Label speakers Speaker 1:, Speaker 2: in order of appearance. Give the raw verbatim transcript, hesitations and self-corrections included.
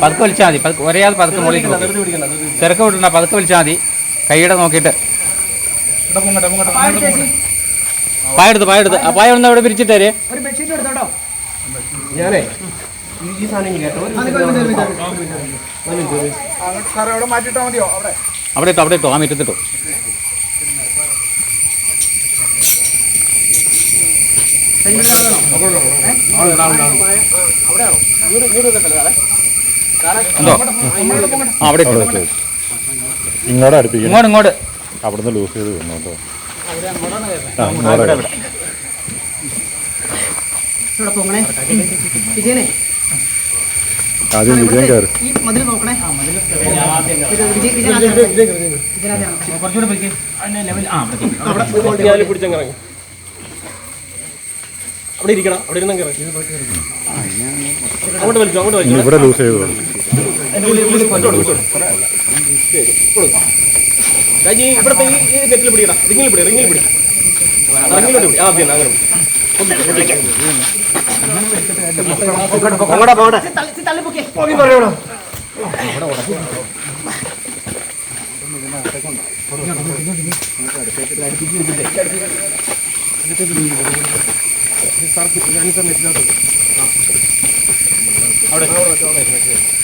Speaker 1: പതുക്കെ വലിച്ചാൽ മതി. പതുക്കെ ഒരേയാതെ പതുക്കെ മുകളിൽ തിരക്ക് വിടണ്ട. പതുക്കെ വലിച്ചാൽ മതി. കൈയുടെ നോക്കിയിട്ട് പായെടുത്ത് പായെടുത്ത് ആ പായ ഒന്ന് അവിടെ പിരിച്ചിട്ടേ.
Speaker 2: ഞാനേ ഈ സാധനം
Speaker 1: അവിടെ ഇട്ടോ അവിടെ ഇട്ടോ ആ മുറ്റത്തിട്ടോ. എന്തോ ആ അവിടെ
Speaker 3: ഇങ്ങോട്ട് അടുപ്പിക്കും.
Speaker 1: ഇങ്ങോട്ട് ഇങ്ങോട്ട്
Speaker 3: അവിടുന്ന് ലൂസ് ചെയ്ത് വന്നു കേട്ടോ. ആദ്യം വിജയം കയറി.
Speaker 2: അവിടെ ഇരിക്കണം. അവിടെ ഇരുന്ന് അങ്ങോട്ട് വലിച്ചു അങ്ങോട്ട് വലിച്ചു.
Speaker 3: ഇവിടെ ലൂസ് ചെയ്തു.
Speaker 2: രാജി ഇവിടുത്തെ ഈ നെറ്റിൽ പിടിക്കണം. റിങ്ങിൽ പിടി റിങ്ങിൽ പിടി റിങ്ങിലോട്ട് പിടി. ആദ്യം അങ്ങനെ പറയണോ. അവിടെ